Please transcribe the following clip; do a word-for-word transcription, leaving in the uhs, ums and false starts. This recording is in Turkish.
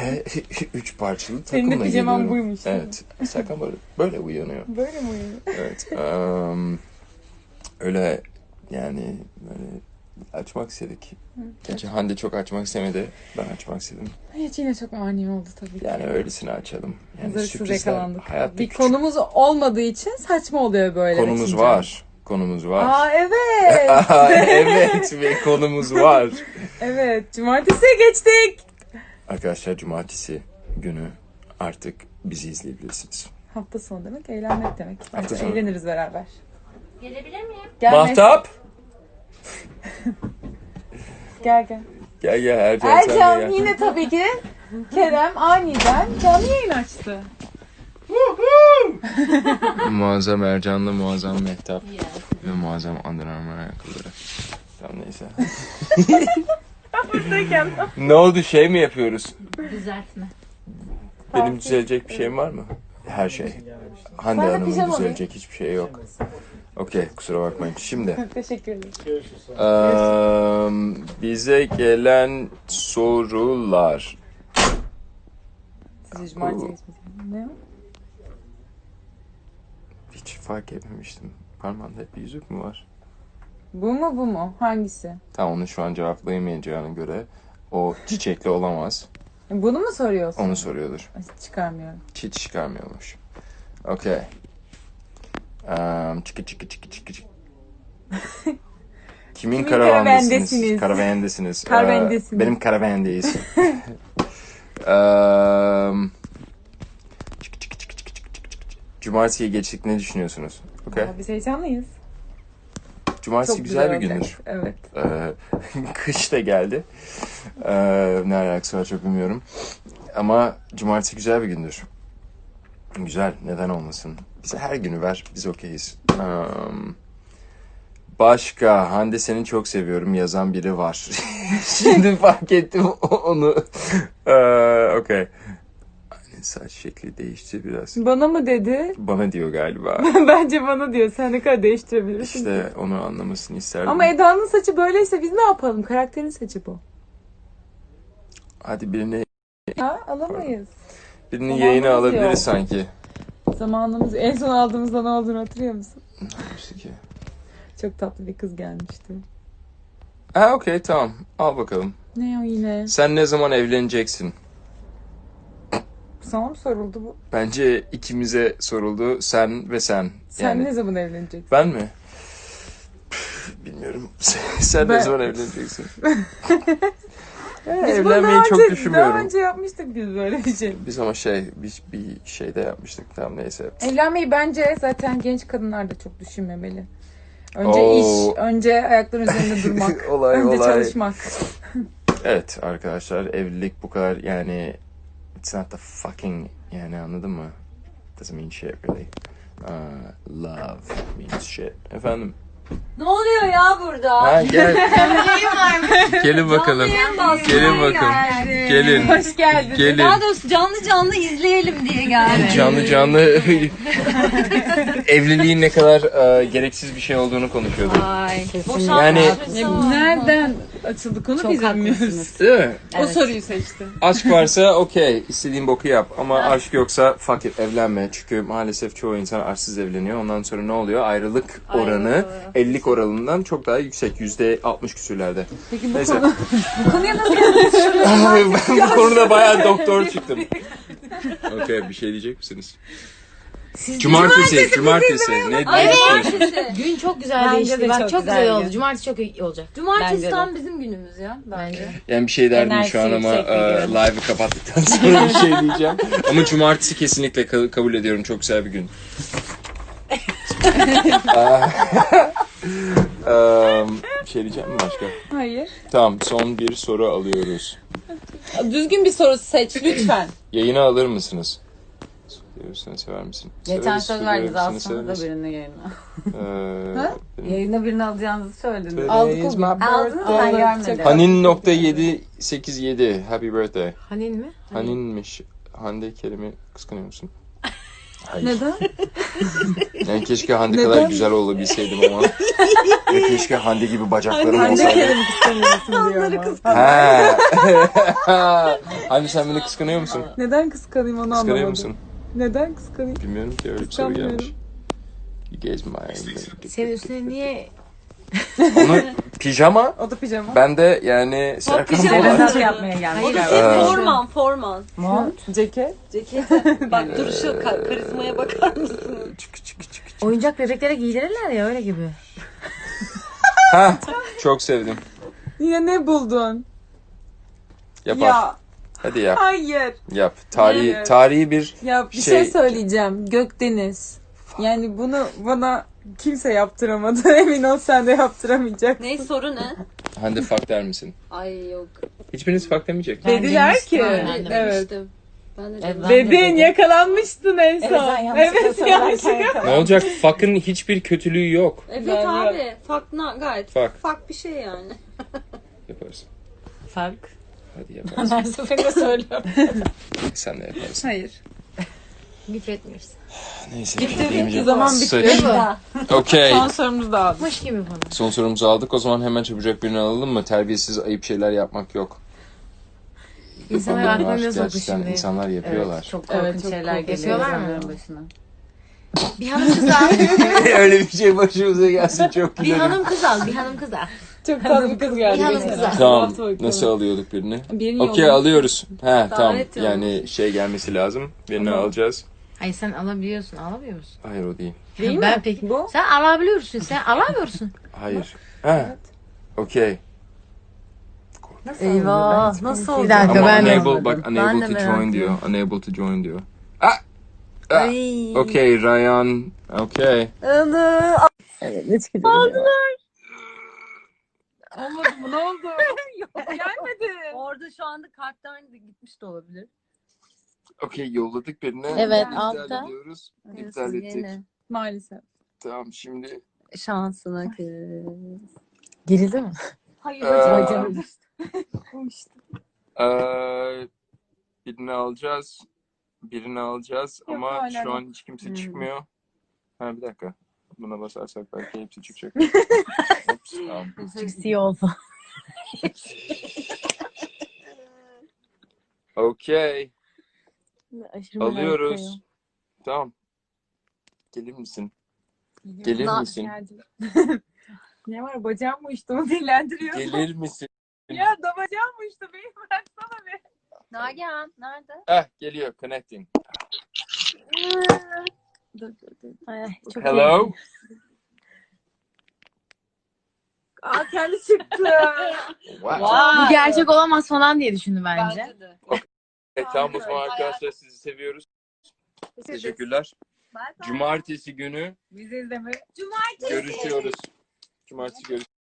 Ve üç parçalı takımla Senin de pijaman geliyorum. buymuş. Evet. Serkan böyle, böyle uyanıyor. Böyle mi uyuyor? Evet. Um, öyle yani böyle açmak istedik. Gerçi Hande çok açmak istemedi. Ben açmak istedim. Hiç yine çok ani oldu tabii ki. Yani öylesine açalım. Yani Hazırsız sürprizler yakalandık. hayatta Bir küçük. konumuz olmadığı için saçma oluyor böyle. Konumuz açınca. var. Konumuz var. Aa evet. Aa, evet ve konumuz var. Evet. Cumartesiye geçtik. Arkadaşlar cumartesi günü artık bizi izleyebilirsiniz. Hafta sonu demek eğlenmek demek. Hafta Hafta sonu. Eğleniriz beraber. Gelebilir miyim? Gel Mahtap! Gel gel. Gel gel Ercan, sen de Ercan gel. yine tabii ki Kerem aniden canlı yayın açtı. Muazzam Ercan'la muazzam Mehtap ve muazzam Under Armour ayakkabıları. Tamam neyse. Buradayken. Ne oldu, şey mi yapıyoruz? Düzeltme. Benim düzelecek bir şeyim var mı? Her şey. Hande Ben de Hanım'ın pijama düzelecek hiçbir şey yok. Okey, kusura bakmayın. Şimdi Teşekkür ederim. eee, bize gelen sorular. Sizi cumartesi geçmedi. Ne o? Hiç fark etmemiştim. Parmağında hep bir yüzük mü var? Bu mu bu mu? Hangisi? Tamam, onu şu an cevaplayamayacağına göre o çiçekli olamaz. Bunu mu soruyorsun? Onu soruyordur. Ay, çıkarmıyorum. Hiç çıkarmıyormuş. Okey. Um, çıkı çıkı çıkı çıkı çıkı. Kimin, Kimin karavandasınız? karavandesiniz? Karavandasınız. Karavandesiniz. Ee, benim karavandeyiz. um, çıkı çıkı çıkı çıkı çıkı çıkı çıkı. Cumartesiye geçtik, ne düşünüyorsunuz? Okey. Aa, biz heyecanlıyız. Cumartesi Çok güzel bir olacak. gündür. Evet. Ee, kış da geldi. Ee, ne alakası var çok bilmiyorum. Ama cumartesi güzel bir gündür. Güzel, neden olmasın? Bize her günü ver, biz okeyiz. Um, başka, Hande seni çok seviyorum yazan biri var. Şimdi fark ettim onu. Ee, Okey. Anne saç şekli değişti biraz. Bana mı dedi? Bana diyor galiba. Bence bana diyor. Sen ne kadar değiştirebilirsin. İşte onu anlamasını isterdim. Ama Eda'nın saçı böyleyse biz ne yapalım? Karakterin saçı bu. Hadi birini, Ha, alamayız. birini Zamanımız yayına alabiliriz yok. sanki. Zamanımız en son aldığımızda ne olduğunu hatırlıyor musun? İşte ki. Çok tatlı bir kız gelmişti. Ha okey, tamam. Al bakalım. Ne o yine? Sen ne zaman evleneceksin? Sana mı soruldu bu? Bence ikimize soruldu. Sen ve sen. Sen Yani ne zaman evleneceksin? ben mi? Püf, bilmiyorum. Sen Ben- ne zaman evleneceksin? Biz bunu Evlenmeyi daha çok önce, düşünmüyorum. Daha önce yapmıştık biz böyle bir şey. Biz ama şey, bir, bir şeyde yapmıştık. Tamam neyse. Evlenmeyi bence zaten genç kadınlar da çok düşünmemeli. Önce Oo. iş, önce ayakların üzerinde durmak, Olay, önce olay. çalışmak. Evet arkadaşlar, evlilik bu kadar yani, it's not the fucking, yani anladın mı? Doesn't mean shit really. Uh, love means shit. Efendim? Ne oluyor ya burada? Ha gel. Neyim varmış? Gelin bakalım. Canlı yayın Gelin bakın. geldi. Gelin. Hoş geldin. Gelin. Daha doğrusu canlı canlı izleyelim diye geldim. Canlı canlı evliliğin ne kadar e, gereksiz bir şey olduğunu konuşuyorduk. Ay. Yani- Ya nereden açıldı konu Çok biz bilmiyoruz. haklısınız. Değil mi? O soruyu seçti. Aşk varsa okey, istediğin boku yap, ama aşk yoksa fuck it, evlenme. Çünkü maalesef çoğu insan aşksız evleniyor. Ondan sonra ne oluyor? Ayrılık oranı ellilik oranından çok daha yüksek. yüzde altmış küsürlerde. Peki bu Neyse. konu bu konuya nasıl Ben bu konuda bayağı doktor çıktım. Okey, bir şey diyecek misiniz? Cumartesi, cumartesi. Ne diyorsunuz? Gün çok güzel Bence değişti. de Bak çok çok güzel güzel oldu. gün. Cumartesi çok iyi olacak. Bence Cumartesi de. tam bizim günümüz ya. Bence. Yani bir şey derdim Enerjisi şu an ama yüksek bir e, gün. live'ı kapattıktan sonra bir şey diyeceğim. Ama cumartesi kesinlikle ka- kabul ediyorum. Çok güzel bir gün. um, bir şey diyeceğim mi başka? Hayır. Tamam, son bir soru alıyoruz. Düzgün bir soru seç lütfen. Yayına alır mısınız? Seviyorsan sever misin? Geçen Severiz, söz seviyorum. verdiniz Seni alsanız da severiz. birini yayına. Ee, Ha? benim- Yayına birini alacağınızı söylediniz. Today Aldık is o my gün. Aldınız ben Aldık. görmedim. Hanin nokta yedi sekiz yedi. Happy birthday. Hanin mi? Haninmiş. Hande Kerim'i kıskanıyor musun? Hayır. Neden? Yani keşke Hande Neden? kadar güzel olabilseydim ama. Ve keşke Hande gibi bacaklarım Hande olsaydı. kendimi kıskanıyorsun diyor ama. Ha. Hande sen beni kıskanıyor musun? Neden kıskanayım onu Kıskanıyor anlamadım. musun? Neden kıskanayım? Bilmiyorum ki öyle bir soru Kıskanmıyorum. gelmiş. You guys my... Senin üstüne niye Onu pijama. O da pijama. Ben de yani Serkan pijama. Polat. Nasıl yapmaya gelmiş? Hayır, Ee, forman forman. Mont. Ceket. Cekete. Bak duruşu ka- karizmaya bakar mısın? Çık çık çık. Oyuncak bebeklere giydirirler ya öyle gibi. Ha, çok sevdim. Yine ne buldun? Yapar. Ya Hadi yap. hayır. Yap. Tarihi Evet. tarihi bir Ya bir şey, Şey- söyleyeceğim. Gökdeniz. Yani bunu bana kimse yaptıramadı. Emin ol sen de yaptıramayacaksın. Ne soru ne? Hande fuck der misin? Ay yok. Hiçbiriniz fuck demeyecek. Ben Dediler demiştim, ki. ben de Evet. demiştim. Ben de Evet, demiştim. ben de Dedin dedim. yakalanmıştın en son. Evet sen yanlışlıkla Evet söylerken yanlışlıkla. yakalandın. Ne olacak? Fuck'ın hiçbir kötülüğü yok. Evet Ben abi. Fuck na gayet. Fuck. Fuck bir şey yani. Yaparsın. Fark. Hadi yaparsın. Her seferinde söylüyorum. Sen de yaparsın. Hayır. Küfretmiş. Neyse. Bitti, bir şey demeyeceğim. zaman bitti. Sıç. Okey. Son sorumuzu da aldık. Mış gibi bana. Son sorumuzu aldık. O zaman hemen çabucak birini alalım mı? Terbiyesiz ayıp şeyler yapmak yok. İnsanlar Bunlar aklına ne soktu gerçekten şimdi? insanlar yapıyorlar. Evet, çok korkunç Evet, çok şeyler korkunç. geliyor Yapıyorlar mı? insanların başına. Bir hanım kız al. Öyle bir şey başımıza gelsin çok Bir gülerim. hanım kız al. Bir hanım kız al. Çok tatlı bir kız geldi. Bir hanım geçen kızı. hafta. Tamam. Hafta bakalım. Nasıl alıyorduk birini? Birini Okey yolladım. alıyoruz. He tamam. Davet Yani şey gelmesi lazım. Birini Tamam. alacağız. Hayır sen alabiliyorsun. Alamıyor musun? Hayır o değil. Değil ben mi? peki. Bu? Sen alabiliyorsun. Sen alamıyorsun. Hayır. Ha. Okey. Nasıl Eyvah, oluyor? Ben nasıl hiç oldu? kimseyi Ama Dakika, ben de unable, anlamadım. bak Ben de unable to merak join ediyorum. diyor. Unable to join diyor. Ah! Ah! Ay. Okey Ryan. Okey. Anı. Evet, ne çıkacak? Olmadı mı? Ne oldu? Gelmedi. Orada şu anda karttan gitmiş de olabilir. Okey yolladık birini. Evet, İptal altta. ediyoruz. İptal ettik. Maalesef. Tamam şimdi. Şansına kız. Gerildi mi? Hayır. Ee, hocam. Eee birini alacağız. Birini alacağız Yok, ama hala şu yok. an hiç kimse Hmm. çıkmıyor. Ha bir dakika. Buna basarsak belki hepsi çıkacak. Ops, tamam. C oldu. Okey. Aşırı Alıyoruz. Tamam. Gelir misin? Gelir Na- misin? Geldim. Ne var bacağım mı uçtu mu dillendiriyor. Gelir misin? Ya da bacağım mı uçtu beni bıraksana be. Nagihan nerede? Ah geliyor. Connecting. Dur dur dur. Ay, çok Hello. Aa kendi çıktı. Wow. Bu gerçek olamaz falan diye düşündü bence. de. Evet, tamam o zaman arkadaşlar sizi seviyoruz. Teşekkürler. Cumartesi günü Bizi izleme. görüşüyoruz. Cumartesi görüşürüz.